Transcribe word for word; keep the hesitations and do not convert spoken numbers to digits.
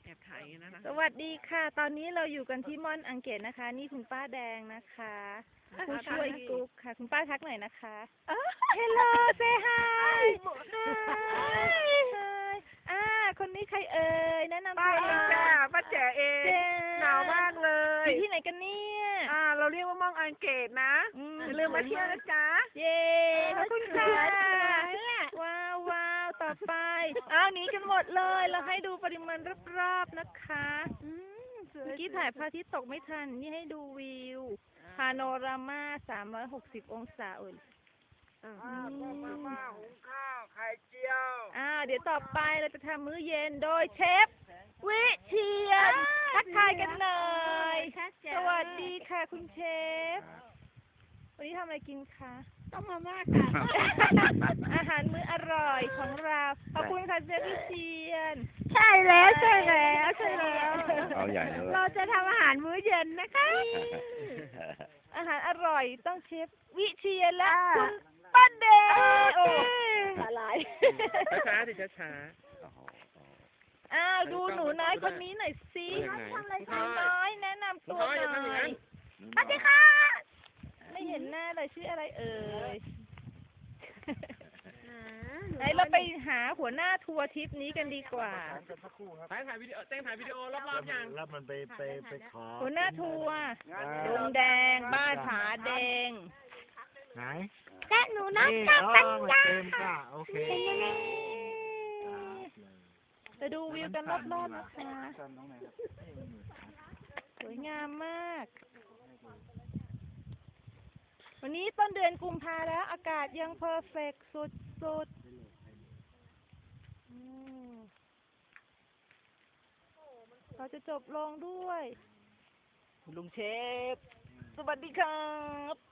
อบถ่ายนะนะสวัสดีค่ะ ตอนนี้เราอยู่กันที่ม่อนอังเกตนะคะ นี่คุณป้าแดงนะคะผู้ช่วยกุ๊กค่ะ คุณป้าทักหน่อยนะคะ Hello say hi hi อ่าคนนี้ใครเอ่ยแนะนำป้าตัวเองจ้าป้าแจ๋เองเจ๊หนาวมากเลยอยู่ที่ไหนกันเนี่ยอ่า เราเรียกว่าม่องอังเกตนะอืมอย่าลืมมาเที่ยวนะจ๊ะเย้ขอบคุณค่ะว้าวว้าวต่อไปอ้าวหนีกันหมดเลย เราให้ดูปริมาณรอบๆนะคะเมื่อกี้ถ่ายพระอาทิตย์ตกไม่ทัน นี่ให้ดูวิว พาโนรามาสามร้อยหกสิบองศาเอ่ยอ่ามาม่าหุงข้าวไข่เจียวอ่าเดี๋ยวต่อไปเราจะทำมื้อเย็นโดยเชฟวิเชียรทักทายกันหน่อยสวัสดีค่ะคุณเชฟ วันนี้ทำอะไรกินคะต้มมาม่าค่ะ อาหารมื้ออร่อยของเราขอบคุณค่ะเชฟวิเชียรใช่แล้วใช่แล้วใช่แล้วเอาใหญ่เลยเราจะทำอาหารมื้อเย็นนะคะ อาหารอร่อยต้องเชฟวิเชียรและคุณป้าเดงโอ้อะไรช้าๆสิช้าอ้าวดูหนูน้อยคนนี้หน่อยสิหนูน้อยแนะนำตัวหน่อยสวัสดีค่ะ ไม่เห็นหน้าเลยชื่ออะไรเอ่ยไหนเราไปหาหัวหน้าทัวร์ทริปนี้กันดีกว่าๆถ่ายถ่ายวิดีโอเต้นถ่ายวิดีโอรอบๆยังแล้วมันไปไปไปขอหัวหน้าทัวร์ดงแดงบ้านผาแดงไหนและหนูน้อยนี่กับอ๋อปัญมันญาเต็มค่ะโอเคไปดูวิวกันรอบๆนะคะสวยงามมาก วันนี้ต้นเดือนกุมภาแล้วอากาศยังเพอร์เฟกต์สุดๆอืมเราจะจบลงด้วย ลุงเชฟ สวัสดีครับ